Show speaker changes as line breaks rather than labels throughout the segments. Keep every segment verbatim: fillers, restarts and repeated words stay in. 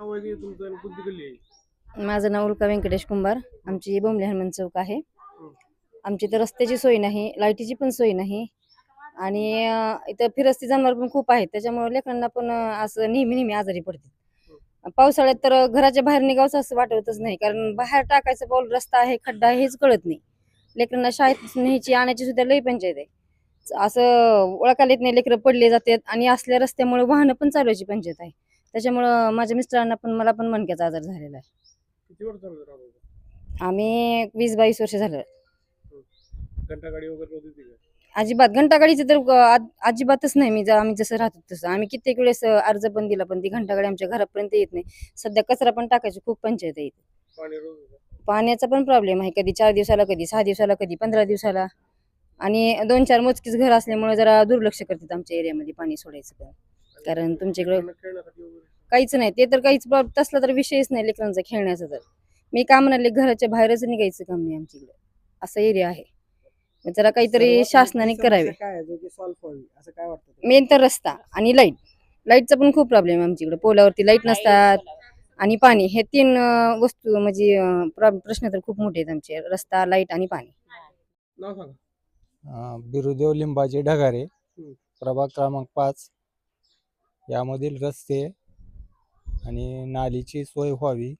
नाव आहे तुमचं आणि कोणती गल्ली आहे?
माझं नाव उल्का व्यंकटेश कुंभार. आमची बोंबले हनुमान चौक आहे. आमची तर रस्त्याची सोय नाही, लाईटीची पण सोय नाही आणि अं, इथं फिरस्ती जनावर पण खूप आहेत. त्याच्यामुळे लेकरांना पण अं, असं नेहमी नेहमी आजारी पडते. पावसाळ्यात तर घराच्या बाहेर निघावंसं असं वाटतच नाही, कारण बाहेर टाकायचं पाऊल रस्ता आहे खड्डा आहे हेच कळत नाही. लेकरांना शाळेत न्यायची आणायची सुद्धा लई पंचायत आहे. असं ओळखायला येत नाही, लेकरं पडले जातात आणि असल्या रस्त्यामुळे वाहनं पण चालवायची पंचायत आहे. त्याच्यामुळं माझ्या मिस्टरांना पण मला पण मणक्याचा आजार झालेला आहे.
किती वर्ष झालं राहतो?
आम्ही वीस बावीस वर्ष झालं.
घंटागाडी वगैरे होती का?
अजिबात घंटागाडीचं तर अ, अजिबातच नाही. मी जा- आम्ही जसं राहतो तसं आम्ही कित्येक वेळेस अ, अर्ज पण दिला, पण ती घंटागाडी आमच्या घरापर्यंत येत नाही. सध्या कचरा पण टाकायची खूप पंचायत आहे इथे.
पाणी रोज होतं?
पाण्याचा पण प्रॉब्लेम आहे, कधी चार दिवसाला, कधी सहा दिवसाला, कधी पंधरा दिवसाला. आणि दोन चार मोजकीच घर असल्यामुळे जरा दुर्लक्ष करतात आमच्या एरियामध्ये पाणी सोडायचं पण. कारण तुमच्याकडे
लेकरांना खेळण्यासाठी वगैरे
काहीच नाही, ते तर काहीच प्रॉब- तसला तर विषयच नाही लेकरांचा खेळण्याचा. तर मी का म्हणाले, घराच्या बाहेरच निघायचं काम नाही आमच्याकडे, असा एरिया आहे. मग जरा काहीतरी
सर्वात
शासनाने
मोठी समस्या
करावे.
काय आहे जो की सॉल्व्ह व्हावी असं काय वाटतं तुम्हाला?
मेन तर रस्ता आणि लाईट. लाईटचा पण खूप प्रॉब्लेम आहे आमच्याकडे. पोलावरती लाईट नसतात आणि पाणी, हे तीन अं, वस्तू म्हणजे अं, प्र- प्रश्न तर खूप मोठे आहेत आमचे: रस्ता, लाईट आणि पाणी.
नाव सांगा.
अं, बिरुदेव लिंबाचे ढगारे,
हम्म.
प्रभाग क्रमांक पाच. यामधील रस्ते आणि नालीची सोय व्हावी.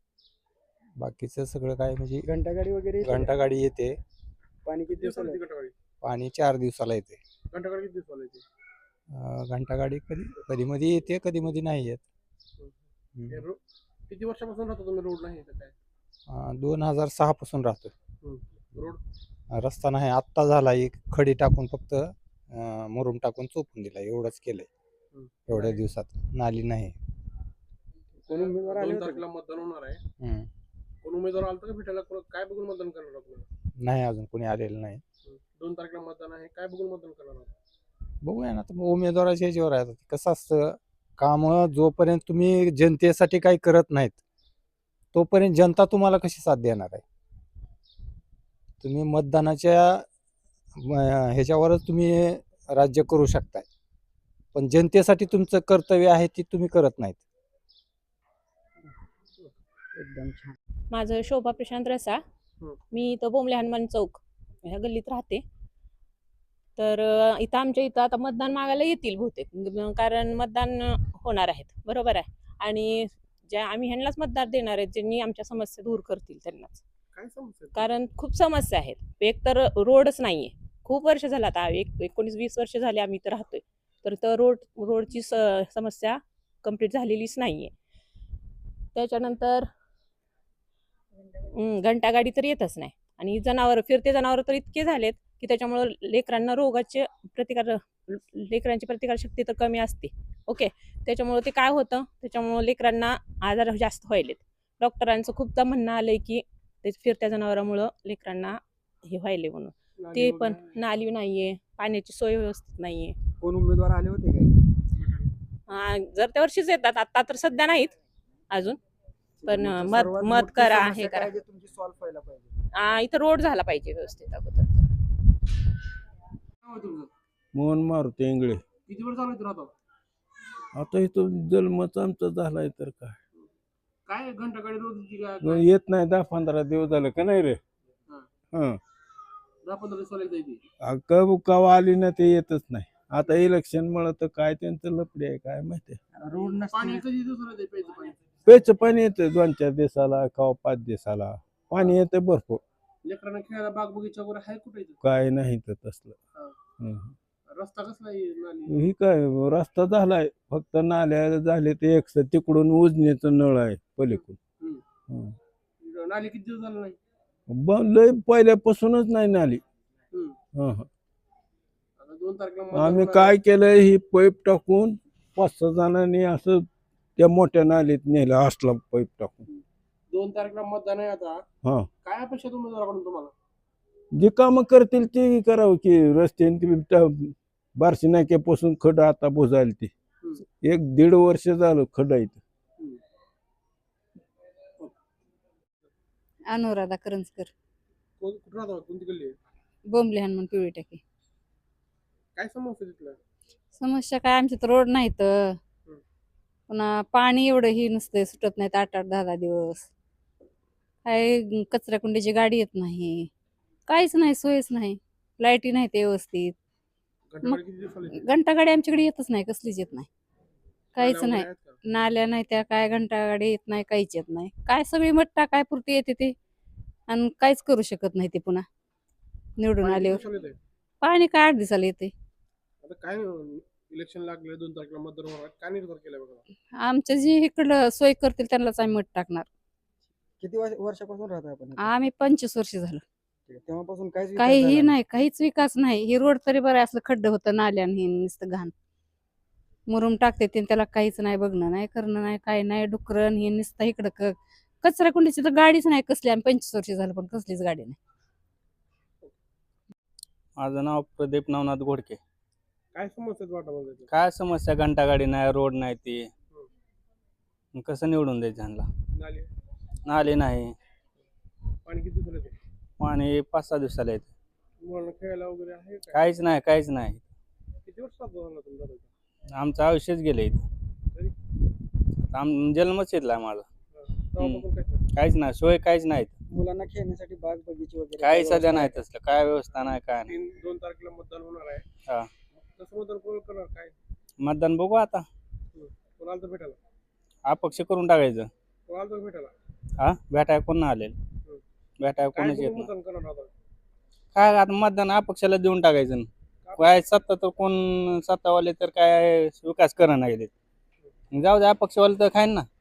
बाकीचं सगळं काय म्हणजे
घंटागाडी वगैरे येते का?
घंटागाडी येते,
पाणी किती
दिवसाला
दिवसाला
येते घंटागाडी?
पाणी चार दिवसाला येते.
घंटागाडी किती दिवसाला येते?
अं, घंटागाडी कधी कधी मध्ये येते, कधी मध्ये नाही येत.
हे
हम्म.
रो- किती वर्षापासून राहतो तुम्ही? रोड नाही इथं काय?
अं, दोन हजार सहा पासून राहतो.
हम्म. रोड
रस्ता नाही, आत्ता झाला. एक खडी टाकून फक्त अं, मुरुम टाकून चोपून दिला, एवढंच केलंय
हम्म.
एवढ्या दिवसात. नाली नाही.
कोण उमेदवार आले
दोन
होते
तारखेला मतदान होणार आहे.
हम्म.
कोण उमेदवार आलता का भेटायला? कोण- काय बघून मतदान करणार आपल्याला?
नाही, अजून कोणी आलेलं नाही.
दोन तारखेला मतदान आहे, काय बघून मतदान करणार आहात?
बघूया ना, आता उमेदवाराच्या ह्याच्यावर आहे. आता कसं असतं, काम जोपर्यंत तुम्ही जनतेसाठी काही करत नाहीत तोपर्यंत जनता तुम्हाला कशी साथ देणार आहे? तुम्ही मतदानाच्या म, ह्याच्यावरच तुम्ही राज्य करू शकताय, पण जनतेसाठी तुमचं कर्तव्य आहे ते तुम्ही करत नाहीत.
एकदम छान.
माझं शोभा प्रशांत रसा.
हं.
मी इथं बोंबले हनुमान चौक ह्या गल्लीत राहते. तर अ, इथं आमच्या इथं आता मतदान मागायला येतील बहुतेक, ग- कारण मतदान अ, होणार आहेत, बरोबर आहे. आणि ज्या आम्ही ह्यांनाच मतदार देणार आहेत, ज्यांनी आमच्या समस्या दूर करतील त्यांनाच.
काय समस्या आहे?
कारण खूप समस्या आहेत. एक तर रोडच नाहीये. खूप वर्ष झालं, आता एक एकोणीस वीस वर्ष झाले आम्ही इथं राहतोय. तर तर रोड रोडची स समस्या कंप्लीट झालेलीच नाहीये. त्याच्यानंतर हं, घंटागाडी तर येतच नाही. आणि जनावर फिरते जनावर तर इतके झालेत की त्याच्यामुळं लेकरांना रोगाचे प्रतिकार लेकरांची प्रतिकारशक्ती तर कमी असते. ओके, त्याच्यामुळं ते काय होतं, त्याच्यामुळं लेकरांना आजार जास्त व्हायलेत. डॉक्टरांचं खूपदा म्हणणं आलंय की ते फिरत्या जनावरांमुळं लेकरांना हे व्हायले म्हणून.
नाली
ते
वगैरे
पण
आहे?
नाली नाहीये, पाण्याची सोय व्यवस्थित नाहीये.
कोण उमेदवार आले होते काय?
हा, जर त्या वर्षीच येतात, आता तर सध्या नाहीत अजून. पण
तुमचं
मत
सर्वात
मत
मोठी
करा,
समस्या
हे
काय
करा.
जे तुमची सॉल्व्ह व्हायला पाहिजे?
आ, इथं रोड झाला पाहिजे व्यवस्थित अगोदर.
नाव आहे तुमचं?
मोहन मारुती इंगळे.
किती वर्ष झालं इथं राहतो?
आता इथं जन्मच आमचा झालाय तर काय
काय घंटागाडी रोज येते का?
मग येत नाही. दहा पंधरा दिवस झालं का नाही रे.
हा.
हं
दहा पंधरा दिवसाला एकदा येते.
कव कवा आली ना ते येतच नाही. आता इलेक्शन मुळे तर काय त्यांचं लपडी आहे काय माहिती.
रोड
पाणी
नसते.
कधी दिवसाला येते? प्यायचं पाणी?
प्यायचं पाणी येतं दोन चार दिवसाला कवा पाच दिवसाला. पाणी येतं भरपूर.
लेकरांना खेळायला बाग बगीचा वगैरे आहे कुठे इथं?
काय नाही तर तसलं.
हा.
हं.
रस्ता कसला आहे? नाली?
ही काय रस्ता झालाय, फक्त नाल्या झाले ते एक तिकडून उजनीचं नळ आहे पलीकडून.
हम्म.
हं.
नाली किती दिवस झालं नाही?
ब- लय पहिल्यापासूनच नाही नाली.
हम्म.
हं, हं.
आता दोन तारखेला मतदान
आम्ही
होणार
काय
आहे.
केलं, ही पाईप टाकून पाच सहा जणांनी असं त्या मोठ्या नालीत नेलं, असला पाईप टाकून.
दोन तारखेला मतदान आहे आता.
हा,
काय अपेक्षा आहे उमेदवाराकडून तुम्हाला?
जे कामं करतील ते करावं की. रस्त्याने बारशी नाक्यापासून खड आता बुजायला ते
हम्म.
एक दीड वर्ष झालं खड आहे.
हम्म.
अनुराधा करंजकर,
कोण कुठं राहतो? कोणती गल्ली आहे?
बोंबले हनुमान पिवळी टाकी.
काय समस्या आहे तिथल्या?
समस्या काय, आमच्या तर रोड नाहीत. पुन्हा पाणी एवढं ही नसतं, सुटत नाहीत आठ आठ दहा दहा दिवस. काय कचरा कुंडीची गाडी येत नाही, काहीच नाही, सोयच नाही. लाईटी नाही ते व्यवस्थित.
घंटागाडी किती दिवसाला येते?
घंटा गाडी आमच्याकडे येतच नाही, कसलीच येत नाही, काहीच
नाल्या
नाही.
वगैरे आहेत का?
नाल्या नाही त्या, काय घंटा गाडी येत नाही, काहीच येत नाही. काय सगळी मट्टा काय पुरती येते ते, आणि काहीच करू शकत नाही ते पुन्हा निवडून
पाणी किती
आल्यावर.
दिवसाला येते?
पाणी काय आठ दिवसाला येते.
आता काय इलेक्शन लागले, दोन तारखेला मतदान होणार आहे. काय निर्धार केलाय बघा?
आमच्या जे इकडं सोय करतील त्यांनाच आम्ही मत टाकणार.
किती वर्ष- वर्षापासून राहत आपण इथे?
आम्ही पंचवीस वर्ष झालं,
ठीक आहे. तेव्हापासून काहीच विकास
काहीही
झाला
नाही, काहीच विकास नाही. ही रोड तरी बरं आहे, असलं खड्डं होतं नाल्यान, हे नुसतं घाण मुरुम टाकते ते, त्याला काहीच नाही, बघणं नाही, करणं नाही, काही नाही. डुकरन हे नुसतं इकडं क- कचरा कुंडीची तर गाडीच नाही कसली. आम्ही पंचवीस वर्ष झालं पण कसलीच गाडी नाही.
माझं नाव प्रदीप नवनाथ घोडके.
काय समस्या आहेत वाटामध्ये?
काय समस्या, घंटा गाडी नाही, रोड नाही, ती मग कसं निवडून द्यायचं ह्यांना?
नाले,
नाले नाही,
पाणी किती दिवसाला येते?
पाणी पाच सहा दिवसाला येते.
मुलांना खेळायला वगैरे आहे काय?
काहीच नाही, काहीच नाही.
किती वर्षात झाला तुमचा दादा?
आमचं आयुष्यच गेलं इथं.
तरी?
आता आम जन्मच इथला आहे माझा.
हा. तेव्हापासून काय नाही.
काहीच नाही, सोय काहीच नाही इथं.
मुलांना खेळण्यासाठी बाग बगीचे वगैरे
काही
व्यवस्था
सध्या
आहे
नाही
का?
तसलं, काय व्यवस्था नाही, काय नाही.
तीन दोन तारखेला मतदान होणार आहे.
हा.
कसं मतदान कोण करणार काय?
मतदान बघू आता,
कोणाला तर भेटायला?
अपक्ष करून टाकायचं.
कोणाला तर भेटायला?
हा, भेटाय कोण नाही आलेलं, भेटाय
काय
कोणच येत
बघून
नाही.
मतदान करणार आता?
काय आता मतदान अपक्षाला देऊन टाकायचं. काय सत्ता तर कोण सत्तावाले तर काय विकास करा नाही देत. जाऊ द्या, अपक्षवाले तर खाईन ना.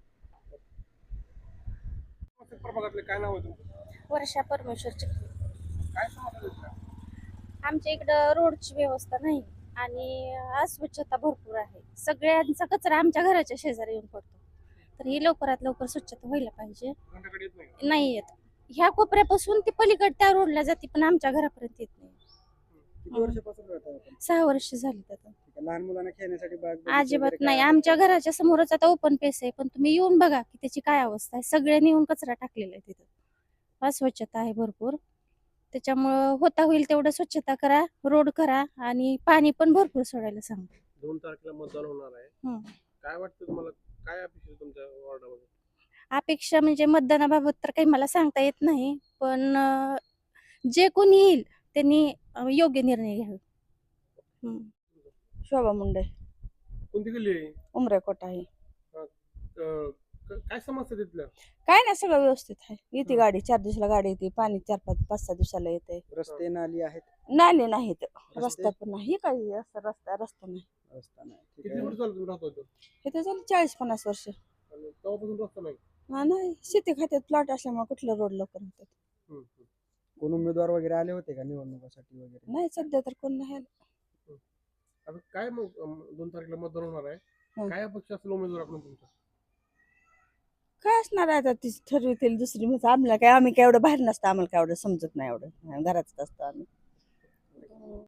प्रभागातले काय नाव आहे तुमचं?
वर्षा परमेश्वरची.
काय समस्या आहेत त्या?
आमच्या इकडं रोडची व्यवस्था नाही आणि अस्वच्छता भरपूर आहे. सगळ्यांचा कचरा आमच्या घराच्या शेजारी येऊन पडतो, तर ही लवकरात लवकर स्वच्छता व्हायला पाहिजे.
घंटागाडी येत नाही का?
नाही येत. ह्या कोपऱ्यापासून ती पलीकड त्या रोडला जाते, पण आमच्या घरापर्यंत येत नाही.
किती वर्षापासून राहत आपण?
सहा वर्ष झाली त्यात.
ठीक आहे. लहान मुलांना खेळण्यासाठी बाग बगीचे
अजिबात
वगैरे काय
नाही.
आहे?
आमच्या घराच्या समोरच आता ओपन पेस आहे, पण तुम्ही येऊन बघा की त्याची काय अवस्था आहे. सगळ्यांनी येऊन कचरा टाकलेला आहे तिथं. अस्वच्छता आहे भरपूर. त्याच्यामुळं होता होईल तेवढं स्वच्छता करा, रोड करा आणि पाणी पण भरपूर सोडायला सांगा.
दोन तारखेला मतदान होणार आहे.
हं.
काय वाटतं तुम्हाला, काय अपेक्षा आहे तुमच्या वॉर्डामध्ये?
अपेक्षा म्हणजे मतदानाबाबत तर काही मला सांगता येत नाही, पण अं, जे कोणी येईल त्यांनी अं, योग्य निर्णय घ्यावे. हं.
शोभा मुंडे,
कोणती गल्ली आहे?
उमरेकोट आहे.
अं, क- काय समस्या आहेत तिथल्या?
काय नाही, सगळं व्यवस्थित आहे. येते
हं.
गाडी, चार दिवसाला गाडी येते, पाणी चार पाच पाच सहा दिवसाला येते.
रस्ते नाली आहेत?
नाले नाहीत,
रस्ते?
रस्ता पण नाही, काही असं रस्ता रस्ता नाही.
रस्ता नाही. ठीक
किती
आहे.
वर्ष झालं तुम्ही राहतो इथं?
इथे झालं चाळीस पन्नास वर्ष.
आणि तेव्हापासून रस्ता नाही?
हा, नाही, शेती खात्यात प्लॉट असल्यामुळे कुठलं रोड लवकर होतात.
हं, हं.
कोण उमेदवार वगैरे आले होते का निवडणुकीसाठी वगैरे?
नाही, सध्या तर कोण नाही आलं.
आता काय मग अं, दोन तारखेला मतदान होणार आहे.
हं.
काय अपेक्षा असेल उमेदवाराकडून तुमच्या?
काय असणार आहे आता, ती ठरवतील दुसरी. म्हणजे आम्हाला काय, आम्ही काय एवढं बाहेर नसतं, आम्हाला काय एवढं समजत नाही, एवढं घरातच असतो आम्ही.